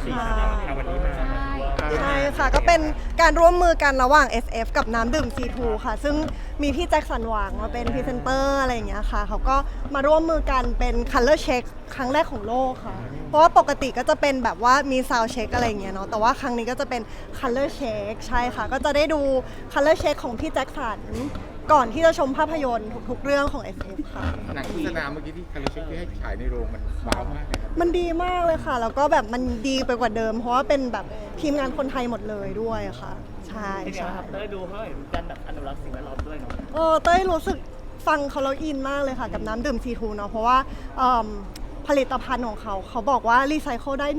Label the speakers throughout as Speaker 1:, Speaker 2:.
Speaker 1: ค่ะ
Speaker 2: วันนี้มา
Speaker 1: ใช่ค่ะก็เป็นการร่วมมือกันระหว่าง SF กับน้ำดื่ม C2 ค่ะ ซึ่งมีพี่แจ็คสันหวังมาเป็นพรีเซนเตอร์อะไรอย่างเงี้ยค่ะเขาก็มาร่วมมือกันเป็น Color Check ครั้งแรกของโลกค่ะ เพราะว่าปกติก็จะเป็นแบบว่ามี Sound Check อะไรอย่างเงี้ยเนาะแต่ว่าครั้งนี้ก็จะเป็น Color Check ใช่ค่ะ ก็จะได้ดู Color Check ของพี่แจ็คสันก่อนที่จะชมภาพยนตร์ทุกๆเรื่องของ SF ค่ะ
Speaker 3: หนังโฆษณาเมื่อกี้ที่คาริเชคที่ให้ฉายในโรงมันว้าวมากเลยครับ
Speaker 1: มันดีมากเลยค่ะ แล้วก็แบบมันดีไปกว่าเดิม เพราะว่าเป็นแบบทีมงานคนไทยหมดเลยด้วยค่ะ ใช่
Speaker 4: เป็นไง
Speaker 1: ใช่
Speaker 4: ครับเต้ยดูเขาเห็นกันแบบอนุรักษ์สิ่งแวดล้อมด้วยเนาะ
Speaker 1: เต้ยรู้สึกฟังเขาแล้วอินมากเลยค่ะกับน้ำดื่ม C2 เนาะเพราะว่าผลิตภัณฑ์ของเขาบอกว่ารีไซเคิลได้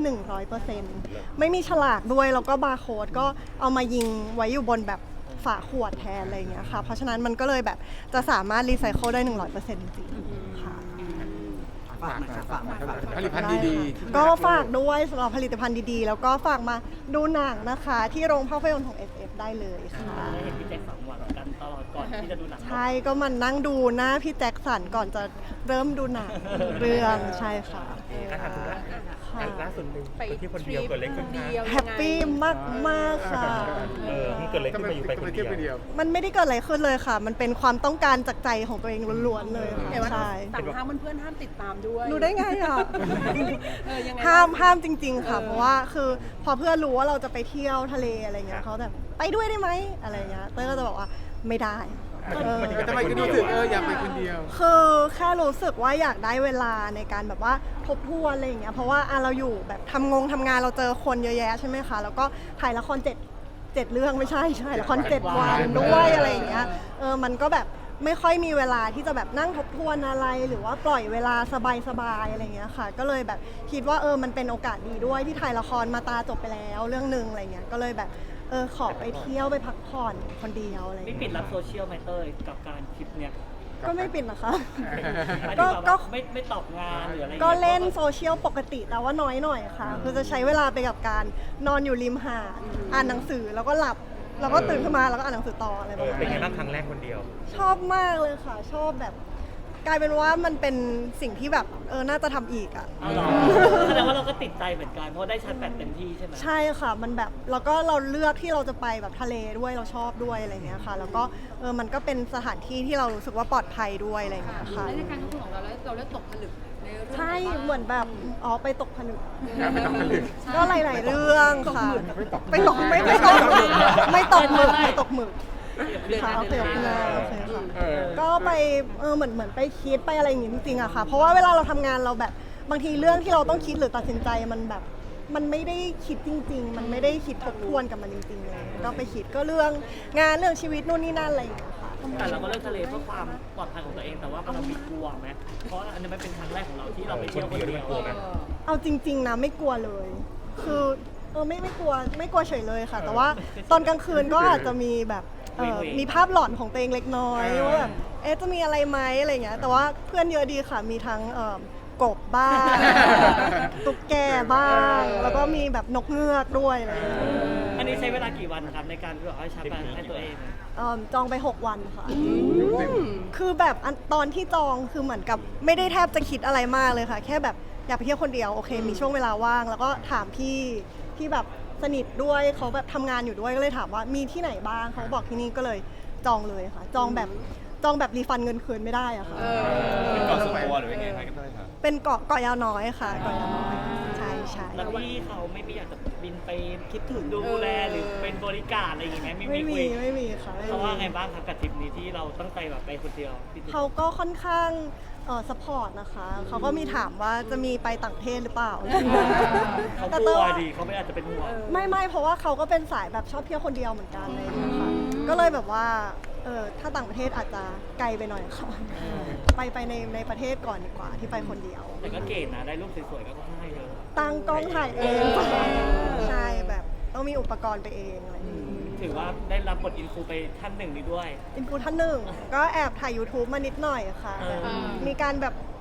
Speaker 1: 100%ไม่มีฉลากด้วยแล้วก็บาร์โค้ดก็เอามายิงไว้อยู่บนแบบฝาขวดแทนอะไรอย่างเงี้ยค่ะเพราะฉะนั้นมันก็เลยแบบจะสามารถรีไซเคิลได้ 100%จริงๆค่ะ
Speaker 3: ฝากผลิตภัณฑ์ดีๆ
Speaker 1: ก็ฝากด้วยสำหรับผลิตภัณฑ์ดีๆ แล้วก็ฝากมาดูหนังนะคะ ที่โรงภาพยนตร์ของ SF ได้เลยค่ะ
Speaker 4: ได้เห็นพี่แจ็คสันหวังกันตลอดก่อนที่จะดูหนัง
Speaker 1: ใช่ก็มันนั่งดูหน้าพี่แจ็คสันก่อนจะเริ่มดูหนังเรื่องใช่ค่ะ
Speaker 2: การทำธุระ
Speaker 1: ค่ะ
Speaker 2: ล่าสุดหนึ่งคนที่คนเดียวเกิดอะไรขึ้นคะ
Speaker 1: แฮปปี้มากๆค่ะ
Speaker 2: มันเกิดอะไรขึ้นมาอยู่ไปคนเดียว
Speaker 1: มันไม่ได้เกิดอะไรขึ้นเลยค่ะ มันเป็นความต้องการจากใจของตัวเองล้วนๆเลยค่ะ
Speaker 5: แต่ว่า
Speaker 1: ใช่
Speaker 5: สั่งห้ามเพื่อนๆห้ามติดตามด้วย
Speaker 1: รู้ได้ไงอ่ะ
Speaker 5: ยังไง
Speaker 1: ห้ามจริง ๆ ค่ะ เพราะว่าคือพอเพื่อนรู้ว่าเราจะไปเที่ยวทะเลอะไรเงี้ยเขาแบบไปด้วยได้ไหมอะไรเงี้ยเต้ยก็จะบอกว่าไม่ได้
Speaker 3: ทำไมคุณรู้สึกอยากไปคนเดียว
Speaker 1: คือแค่รู้สึกว่าอยากได้เวลาในการแบบว่าทบทวนอะไรอย่างเงี้ยเพราะว่าเราอยู่แบบทำงานเราเจอคนเยอะแยะใช่ไหมคะแล้วก็ถ่ายละคร7เรื่องไม่ใช่ละคร7 วันด้วยอะไรอย่างเงี้ยมันก็แบบไม่ค่อยมีเวลาที่จะแบบนั่งทบทวนอะไรหรือว่าปล่อยเวลาสบายๆอะไรอย่างเงี้ยค่ะก็เลยแบบคิดว่ามันเป็นโอกาสดีด้วยที่ถ่ายละครมาตาจบไปแล้วเรื่องนึงอะไรเงี้ยก็เลยแบบขอไปเที่ยวไปพักผ่อนคนเดียวอะไรอย่าง
Speaker 4: ไม่
Speaker 1: เงี้ย
Speaker 4: ปิดรับโซเชียลไหมเต้ยกับการคลิปเนี่ย
Speaker 1: ก็ไม่ปิดนะคะ
Speaker 4: หมาย
Speaker 1: ก็
Speaker 4: ถึงแบบว่าไม่ตอบงานหรืออะไรอย่าง
Speaker 1: ก็
Speaker 4: งี้ย
Speaker 1: เล่นโซเชียลปกติแต่ว่าน้อยหน่อยค่ะ คือจะใช้เวลาไปกับการนอนอยู่ริมหาดอ่านหนังสือแล้วก็หลับแล้วก็ตื่นขึ้นมาแล้วก็อ่านหนังสือต่ออะไรประมาณ
Speaker 2: เป็นไง
Speaker 1: นี้
Speaker 2: บ้างครั้งแรกคนเดียว
Speaker 1: ชอบมากเลยค่ะ ชอบแบบ กลายเป็นว่ามันเป็นสิ่งที่แบบน่าจะทำอีกอ่ะ
Speaker 4: เอาเหรอแสดงว่าเราก็ติดใจเหมือนกันเพราะได้ชาร์จแบตเต็มที่ใช่ไหม
Speaker 1: ใช่ค่ะมันแบบแล้วก็เราเลือกที่เราจะไปแบบทะเลด้วยเราชอบด้วยอะไรเงี้ยค่ะ แล้วก็มันก็เป็นสถานที่ที่เรารู้สึกว่าปลอดภัยด้วยอะไรเงี้ยค่ะ
Speaker 5: และในการทบทวนของเราแล้วเราได้ตกผลึกในเรื่อง
Speaker 1: ใช่
Speaker 5: ไหนบ้าง
Speaker 1: เหมือนแบบไปตกผนึก
Speaker 3: ไม่ต้องผลึก
Speaker 1: ก็หลาย ๆ เรื่องค่ะ
Speaker 3: ไม่ตก
Speaker 1: ไม่ตกหมึกไม่ตกหมึกค่ะโอเคโอเคโอเคค่ะ ก็ไปเหมือนไปคิดไปอะไรอย่างงี้จริงๆอะค่ะ เพราะว่าเวลาเราทำงานเราแบบบางทีเรื่องที่เราต้องคิดหรือตัดสินใจมันแบบมันไม่ได้คิดจริง ๆ มันไม่ได้คิดทบทวนกับมันจริงๆเลยก็ไปคิดก็เรื่องงานเรื่องชีวิตนู่นนี่นั่นอะไรอย่างเงี้ยค่ะ
Speaker 4: แต่เราก็เลือกทะเลเพื่อความปลอดภัยของตัวเองแต่ว่าเรามีกลัวไหมเพราะอันนี้มันเป็นครั้งแรกของเราที่เราไปเที่ยวคนเดียว
Speaker 2: กลัวไหม
Speaker 1: เอาจริง ๆ นะไม่กลัวเลย คือไม่กลัวเฉยเลยค่ะ แต่ว่าตอนกลางคืนก็อาจจะมีแบบมีภาพหลอนของตัวเองเล็กน้อยว่าแบบจะมีอะไรไหมอะไรเงี้ยแต่ว่าเพื่อนเยอะดีค่ะมีทั้งกบบ้าง ตุ๊กแกบ้าง แล้วก็มีแบบนกเงือกด้วยอะไรเงี้ย
Speaker 4: อันนี้ใช้เวลากี่วันครับในการที่แบบว่าชาร์จแบตให้ตัวเอง
Speaker 1: จองไป 6 วันค่ะ คือแบบตอนที่จองคือเหมือนกับไม่ได้แทบจะคิดอะไรมากเลยค่ะ แค่แบบอยากไปเที่ยวคนเดียวโอเค มีช่วงเวลาว่าง แล้วก็ถามพี่ที่แบบสนิทด้วยเขาแบบทำงานอยู่ด้วยก็เลยถามว่ามีที่ไหนบ้างเขาบอกที่นี่ก็เลยจองเลยค่ะ จองแบบรีฟันเงินคืนไม่ได้อะค่ะ
Speaker 3: เป็นเกาะส่วนตัวหรือยังไงครับ
Speaker 1: เป็นเกาะยาวน้อยค่ะเกาะยาวน้อยใช่ใช่
Speaker 4: แล้วพี่เขาไม่อยากจะบินไปคิดถึงดูแลหรือเป็นบริการอะไรอย่างเงี้ย
Speaker 1: ไม่
Speaker 4: คุย
Speaker 1: มีค่ะไม่มี
Speaker 4: เขาว่าไงบ้างครับกับทริปนี้ที่เราตั้งใจแบบไปคนเดียวพี่ติ๊ก
Speaker 1: เขาก็ค่อนข้างสปอร์ตนะคะเขาก็มีถามว่าจะมีไปต่างประเทศหรือเปล่า
Speaker 4: เขา
Speaker 1: แต่
Speaker 4: ก
Speaker 1: เต้
Speaker 4: ลั
Speaker 1: ยว ว่า
Speaker 4: ดีเขาไม่อาจจะเป็นห่วง
Speaker 1: ไม่เพราะว่าเขาก็เป็นสายแบบชอบเที่ยวคนเดียวเหมือนกันเลยค่ะก็เลยแบบว่าถ้าต่างประเทศอาจจะไกลไปหน่อยค่ะไปในประเทศก่อนดีกว่าที่ไปคนเดียว
Speaker 4: แต่ก็เก๋นะได้รูปสวยๆก็ให้เยอะ
Speaker 1: ตั้งกล้องถ่ายเองใช่แบบต้องมีอุปกรณ์ไปเองอะไรอย่างงี้
Speaker 4: ถือว่าได้รับบทอินฟูไปท่านหนึ่งนี้ด้วย
Speaker 1: อินฟูท่านหนึ่งก็แอบถ่าย YouTube มานิดหน่อยค่ะแบบมีการแบบ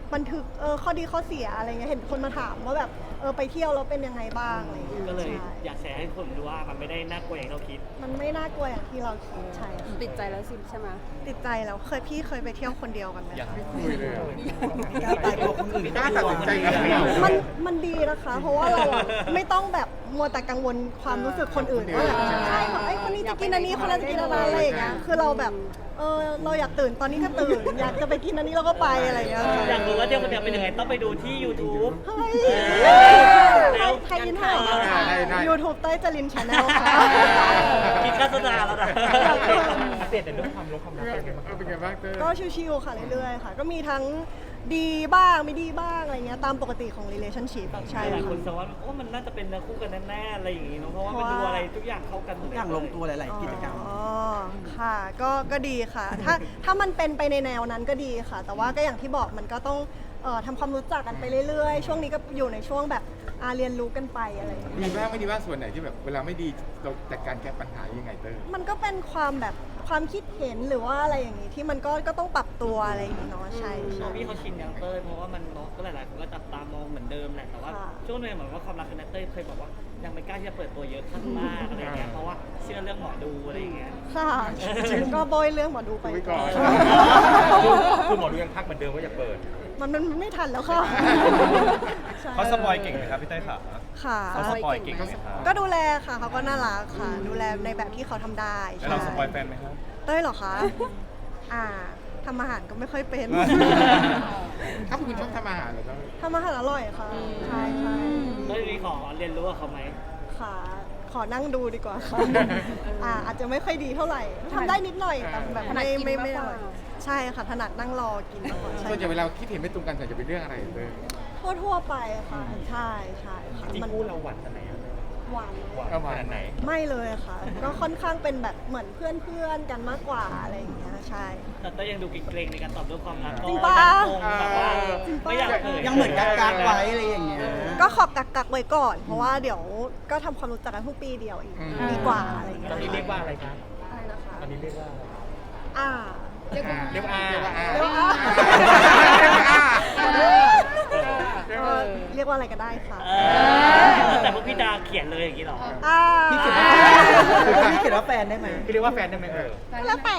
Speaker 1: บันทึกข้อดีข้อเสียอะไรเงี้ยเห็นคนมาถามว่าแบบไปเที่ยวแล้วเป็นยังไงบ้างอะไรเงี้ย
Speaker 4: ก็เลย
Speaker 1: ใช่
Speaker 4: อยากแชร์ให้คนรู้ว่ามันไม่ได้น่ากลัวอย่างที่เราคิด
Speaker 1: มันไม่น่ากลัวอย่างที่เราคิดใช่ค่ะ
Speaker 5: ติดใจแล้วสิใช่ไหม
Speaker 1: ติดใจแล้วพี่เคยไปเที่ยวคนเดียวกันไหมคะ
Speaker 3: ไม่คุยเลยอะ
Speaker 6: กล้าตายตัวคนอื่น
Speaker 3: กล้าตัดสินใจกัน
Speaker 1: มันดีนะคะ เพราะว่าเราอะไม่ต้องแบบมัวแต่กังวลความรู้สึกคนอื่นว่าแบบใช่ค่ะไอ้คนนี้จะกินอันนี้คนนั้นจะกินอะไรอย่างเงี้ยคือเราแบบเราอยากตื่นตอนนี้ก็ตื่น อยากจะไปกินอันนี้เราก็ไปอะไรอย่างเงี้ย
Speaker 4: อยากรู้ว่าเที่ยวคนเดียวเป็นยังไงต้องไปดูที่ YouTube
Speaker 1: เฮ้ย
Speaker 4: เร็ว
Speaker 1: ใครยินถ่ายมาค่ะ YouTube เต้ยจรินชาแนลค่ะ
Speaker 4: คิดโฆษณาแล้วนะ
Speaker 2: อัปเดตในเรื่องความรักเป็นไงบ้าง
Speaker 3: เป็นไงบ้างเต้ย
Speaker 1: ก็ชิวๆค่ะเรื่อยๆค่ะ ก็มีทั้งดีบ้างไม่ดีบ้างอะไรเงี้ยตามปกติของ relationship ใช่
Speaker 4: หลาย
Speaker 1: ค่ะ
Speaker 4: คนแซวว่าโอ้มันน่าจะเป็นเนื้อคู่กันแน่ๆอะไรอย่างงี้เนาะเพราะว่ามันดูอะไรทุกอย่างเข้ากัน
Speaker 6: ทุกอย่างลงตัวหลาย ๆ กิจกรรม
Speaker 1: อ๋อ ค่ะ ก็ดีค่ะ ถ้ามันเป็นไปในแนวนั้นก็ดีค่ะ แต่ว่าก็อย่างที่บอกมันก็ต้องทำความรู้จักกันไปเรื่อยๆ ช่วงนี้ก็อยู่ในช่วงแบบเรียนรู้กันไปอะไรอย่างเงี้ย
Speaker 3: ดีบ้างไม่ดีบ้างส่วนไหนที่แบบเวลาไม่ดีเราจัดการแก้ปัญหายังไงเต้ย
Speaker 1: มันก็เป็นความแบบความคิดเห็นหรือว่าอะไรอย่างงี้ที่มันก็ต้องปรับตัวอะไรอย่างงี้เนาะใช่
Speaker 4: พอ
Speaker 1: ใช่
Speaker 4: พี่เขาชินยังเต้ยเพราะว่ามันเนาะก็หลายๆคนก็จับตามองเหมือนเดิมแหละแต่ว่า
Speaker 1: ค่ะ
Speaker 4: ช่วงนึงเหมือนว่าความรักคือนัทเต้ยเคยบอกว่ายังไม่กล้าที่จะเปิดตัวเยอะข้างมากอะไรเงี้ยเพราะว่าเชื่อเรื่องหมอดูอะไรอย่างเงี้ย
Speaker 1: ค่ะก็โบยเรื่องหมอดูไป
Speaker 3: คุยก่อน
Speaker 2: คือหมอดูยังทักเหมือนเดิมว่าอย่าเปิด
Speaker 1: มันไม่ทันแล้วค่ะใช่
Speaker 7: เขาสปอยเก่งไหมครับพี่เต้ยค่ะ
Speaker 1: ค่ะ
Speaker 7: เขาสปอยเก่งไหมครับ
Speaker 1: ก็ดูแลค่ะเขาก็น่ารักค่ะ ดูแลในแบบที่เขาทำได้
Speaker 7: แล้วเราสปอยแฟนไหมครับ
Speaker 1: เต้ยเหรอคะทำอาหารก็ไม่ค่อยเป็น
Speaker 3: เขาเป็นคนชอบทำอาหารเหรอเต้ย
Speaker 1: ทำอาหารอร่อยค่ะ ใช่ใช่
Speaker 4: เต้ยมีขอเรียนรู้กับเขาไหม
Speaker 1: ค่ะ ขอนั่งดูดีกว่าค่ะอาจจะไม่ค่อยดีเท่าไหร่ทำได้นิดหน่อยแต่แบบไม่อร่อยใช่ค่ะถนัดนั่งรอกินมากกว่าใช่
Speaker 3: ส่วนใหญ่เวลาคิดเห็นไม่ตรงกันส่วนจะเป็นเรื่องอะไรเต้ย
Speaker 1: ทั่วๆไปค่ะ ใช่ใช่ค่ะ
Speaker 2: จริง
Speaker 1: มัน
Speaker 2: คู่เราหวานขนาดไหนอะ
Speaker 1: หวาน
Speaker 2: หวานขนาดไหน
Speaker 1: ไม่เลยค่ะ ก็ค่อนข้างเป็นแบบเหมือนเพื่อนๆกันมากกว่าอะไรอย่างเงี้ยใช่
Speaker 4: แต่เต้ยยังดูเกรงๆในการตอบเรื่องความรัก
Speaker 1: จริงปะ
Speaker 4: คงแบบว่าไม่อยากเผย
Speaker 6: ยังเหมือนกักๆไว้อะไรอย่างเงี้ย
Speaker 1: ก็ขอกักไว้ก่อน เพราะว่าเดี๋ยวก็ทำความรู้จักกันเพิ่งปีเดียวอีกดีกว่าอะไรอย่างเงี้
Speaker 2: ตอนนี้
Speaker 1: ย
Speaker 2: เรียกว่าอะไรครับ
Speaker 1: อะไรนะคะ
Speaker 2: ตอนนี้เรียกว่าอะไร
Speaker 1: อ่า
Speaker 3: เรียกว่า
Speaker 2: เรียกว่า
Speaker 3: เรียกว่า
Speaker 1: เรียกว่า เรียกว่าอะไรก็ได้ค่ะ
Speaker 4: แต่พวกพี่ดาเขียนเลยอย่างนี้หรอ
Speaker 6: พี่เขียนว่าแฟนได้ไหม
Speaker 2: พี่เรียกว่าแฟนได้ไหมเออ
Speaker 1: แล้วแต่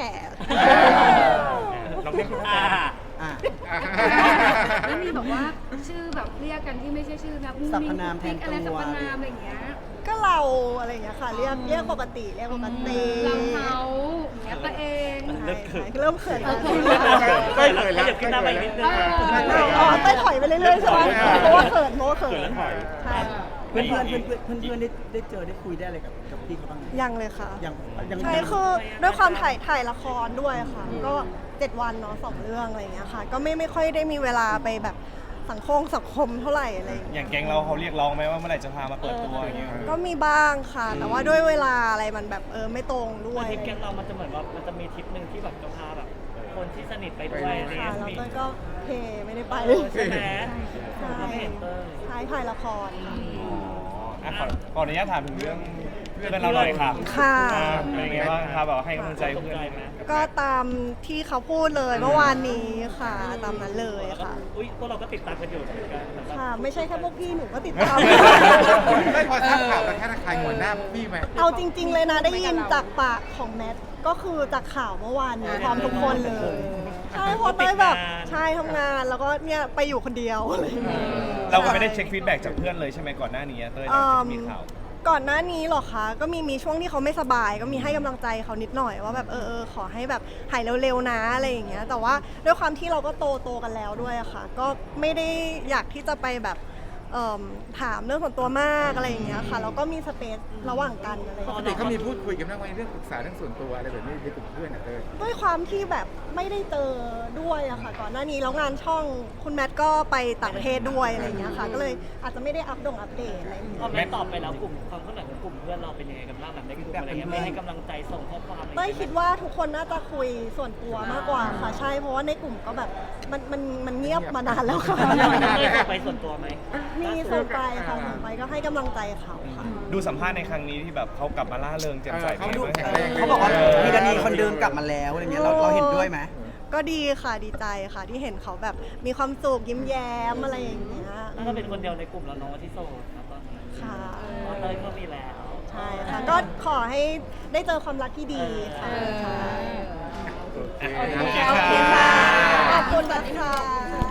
Speaker 2: เราเรียกว่าแฟน
Speaker 6: อ่ะ
Speaker 5: ไม่มีแบบว่าชื่อแบบเรียกกันที่ไม่ใช่ชื่อแบบ
Speaker 6: สรรพนามแทนตัว
Speaker 5: อะไรสรรพนามอะไรอย่างเงี้ย
Speaker 1: ก็เราอะไรอย่างเงี้ยค่ะ เรียกปกติเรียกปกติ
Speaker 5: เราเขาอย่างเงี้ยตัวเอง
Speaker 4: เริ่มเขิน
Speaker 1: เริ่มเขินแล้ว
Speaker 4: เต้ยเลยแล้วขึ้นหน้าไปนิดนึง
Speaker 1: อ๋อเต้ยถอยไปเรื่อยๆใช่ไหมเพราะว่าเขิน
Speaker 2: เขินแล้วถอย
Speaker 1: ใช่
Speaker 6: เพื่อนได้เจอได้คุยได้อะไรกับพี่เขาบ้างไหม
Speaker 1: ยังเลยค่ะ
Speaker 6: ยัง
Speaker 1: ใช่คือด้วยความถ่ายละครด้วยค่ะ ก็ 7 วันเนาะ2 เรื่องอะไรอย่างเงี้ยค่ะ ก็ไม่ค่อยได้มีเวลาไปแบบสังคมเท่าไหร่อะไรอย่าง
Speaker 7: อ
Speaker 1: เงี้ย
Speaker 7: ย่างแก๊งเราเขาเรียกร้องไหมว่าเมื่อไหร่จะพามาเปิดตัวอย่างเงี้ย
Speaker 1: ก็มีบ้างค่ะ แต่ว่าด้วยเวลาอะไรมันแบบไม่ตรงด้วย
Speaker 4: ทริปแกงเรามันจะเหมือนว่ามันจะมีทริปหนึ่งที่แบบจะพาแบบคนที่สนิทไปด้วยอะไร
Speaker 1: ค่ะ
Speaker 4: เงี้ย
Speaker 1: แล้ว
Speaker 4: มี
Speaker 1: เต้ยก็เทไม่ได้ไป
Speaker 4: ใช่ไหม
Speaker 1: ใช่
Speaker 4: เราไม่เห็นเต้ย
Speaker 1: ใช่ถ่ายละครค่ะ
Speaker 7: อ่ะขออนุญาตถามถึงเรื่องเพื่อนเราหน่อยค่ะ
Speaker 1: ค่ะ
Speaker 7: เป็นยังไงบ้างครับแบบให้กำลังใจ
Speaker 4: ตก
Speaker 7: เพื่อน
Speaker 4: ใจไหม
Speaker 1: ก็ตามที่เขาพูดเลยเมื่อวานนี้ค่ะ ตามนั้นเลย
Speaker 4: แล้วก็
Speaker 1: ค่ะ
Speaker 4: อุ้ยพวกเราก็ติดตามกันอยู่เหมือนกันแบบว่า
Speaker 1: ค่ะ ไม่ใช่แค่พวกพี่หนูก็ติดตาม
Speaker 3: ไม่พอทราบข่าวแล้วแค่ระคายหัวหน้าพี่ไหม
Speaker 1: เอาจริง ๆ เลยนะได้ยินจากปากของแมทก็คือจากข่าวเมื่อวานนี้พร้อมทุกคนเลย ใช่เพราะเต้ยแบบใช่ทำงานแล้วก็เนี่ยไปอยู่คนเดียวอะไรอย่างเงี้ย
Speaker 7: เราก็ไม่ได้เช็คฟีดแบ็กจากเพื่อนเลยใช่ไหมก่อนหน้านี้เต้ยหลังจากมีข่าว
Speaker 1: ก่อนหน้านี้เหรอคะ ก็มีช่วงที่เขาไม่สบาย ก็มีให้กำลังใจเขานิดหน่อยว่าแบบขอให้แบบหายเร็วๆนะอะไรอย่างเงี้ย แต่ว่าด้วยความที่เราก็โตกันแล้วด้วยอะค่ะ ก็ไม่ได้อยากที่จะไปแบบถามเรื่องส่วนตัวมากอะไรอย่างเงี้ยค่ะแล้วก็มีสเปซระหว่างกันอะไรอย่าง
Speaker 3: ปก
Speaker 1: เงี้ย
Speaker 3: ติเขามีพูดคุยกันบ้างไหมเรื่องปรึกษาเรื่องส่วนตัวอะไรแบบนี้ในกลุ่มเพื่อนอ่ะเต้ย
Speaker 1: ด้วยความที่แบบไม่ได้เจอด้วยอะค่ะ ก่อนหน้านี้แล้วงานช่องคุณแมทก็ไปต่างประเทศด้วยอะไรอย่างเงี้ยค่ะ ก็เลยอาจจะไม่ได้อัปเดตอะไรอย่างเงี้ย
Speaker 4: พอแม่ตอบไปแล้วกลุ่มความเคลื่อนไหวของกลุ่มเพื่อนเราเป็นยังไงกันบ้างแบบในกลุ่มอะไรเงี้ยไม่ให้กำลังใจส่งข้อความอะไร
Speaker 1: เต้ยคิดว่าทุกคนน่าจะคุยส่วนตัวมากกว่าค่ะใช่เพราะว่าในกลุ่มก็แบบมันเงียบมานานแล้วค่ะ
Speaker 4: เต้ยส่งไปส่วนตัวไหม
Speaker 1: มีส่งไปค่ะส่งไปก็ให้กำลังใจเขาค่ะ
Speaker 7: ดูสัมภาษณ์ในครั้งนี้ที่แบบเขากลับมาล่าเริงแจ่มใส
Speaker 3: เขาดูแข็งแรง
Speaker 6: เขาบอกว่ามีกรณีคนเดิมกลับมาแล้วอะไรเงี้ยเราเห็นด้วยไหม
Speaker 1: ก็ดีค่ะดีใจค่ะที่เห็นเขาแบบมีความสุขยิ้มแย้มอะไรอย่างเงี้ย
Speaker 4: แล้วก็เป็นคนเดียวในกลุ่มแล้วน้องที่โสดนะตอนนี้
Speaker 1: ค่ะ
Speaker 4: เพราะเต้ยก็มีแล้ว
Speaker 1: ใช่ค่ะก็ขอให้ได้เจอความรักที่ดีค่ะใช่
Speaker 3: โอเค
Speaker 1: โอเคค่ะขอบคุณนะคะ